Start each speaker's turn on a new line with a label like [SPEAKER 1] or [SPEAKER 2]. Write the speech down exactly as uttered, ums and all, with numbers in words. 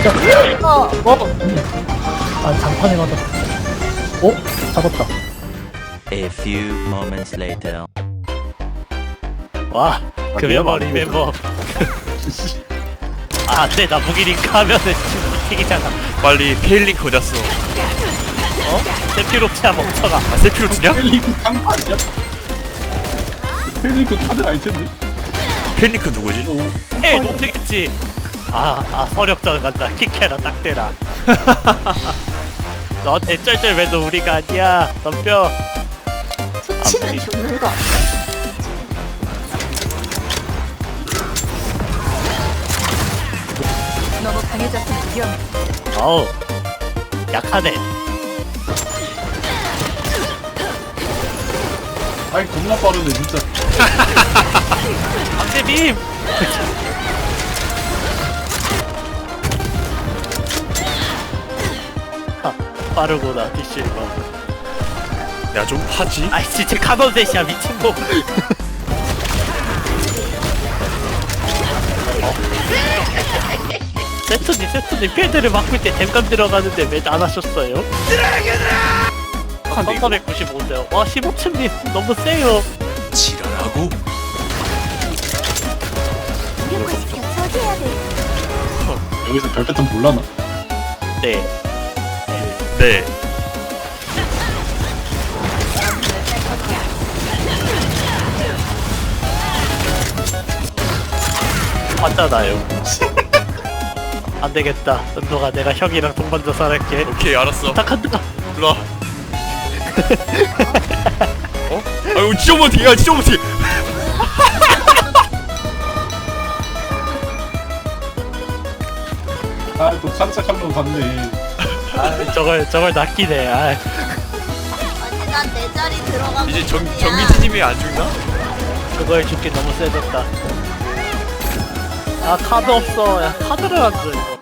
[SPEAKER 1] 진짜.
[SPEAKER 2] 어.
[SPEAKER 1] 어? 아, 장판에 맞았어. 어? 잡았다.
[SPEAKER 3] A few moments later.
[SPEAKER 2] 와, 그 멤버 리멤버. 아, 안돼, 나 무기링크 하면은 지금 튀기잖아.
[SPEAKER 4] 빨리 페일링크 어딨어?
[SPEAKER 2] 어? 세피로치야 멍청아.
[SPEAKER 4] 아 세피로트냐?
[SPEAKER 5] 펠링크 깡판이야? 펠링크 카드 아이템인데?
[SPEAKER 4] 페일링크 누구지?
[SPEAKER 2] 헤이, 못튀겠지. 아, 아, 서력전 간다. 킥해라, 딱 대라. 너한테 쩔쩔 매도 우리가 아니야. 덤벼.
[SPEAKER 6] 수치는 죽는 거. 너무 강해졌으면 위험해.
[SPEAKER 2] 어우, 약하네.
[SPEAKER 5] 아이 겁나 빠르네 진짜.
[SPEAKER 2] 강대빔. 하, 빠르구나, 디실버.
[SPEAKER 4] 야 좀 하지?
[SPEAKER 2] 아이, 진짜 카논셋이야, 미친놈. 세트님, 세트님, 필드를 바꿀 때 댐감 들어가는데 왜 안 하셨어요? 삼천백구십오인데요. 와, 십오 층님 너무 세요.
[SPEAKER 4] 지랄하고?
[SPEAKER 6] 이러고 있어. 처리해야 돼.
[SPEAKER 5] 여기서 별 패턴 몰라나?
[SPEAKER 2] 네.
[SPEAKER 4] 네.
[SPEAKER 2] 맞잖아요. 안 되겠다. 은도가 내가 형이랑 동반 자살할게.
[SPEAKER 4] 오케이 알았어.
[SPEAKER 2] 부탁한다.
[SPEAKER 4] 일로와. 어? 아유 진짜 못해. 야 진짜 못해.
[SPEAKER 5] 아또 칸짝 한번 봤네.
[SPEAKER 2] 아, 저걸 저걸 낚이네. 아,
[SPEAKER 6] 아니 난 내 자리 들어가고
[SPEAKER 4] 이제 정
[SPEAKER 6] 싶냐.
[SPEAKER 4] 정기진님이 안 죽나?
[SPEAKER 2] 그거에 죽기 너무 세졌다. 아, 카드 없어. 야, 카드를 안 줘.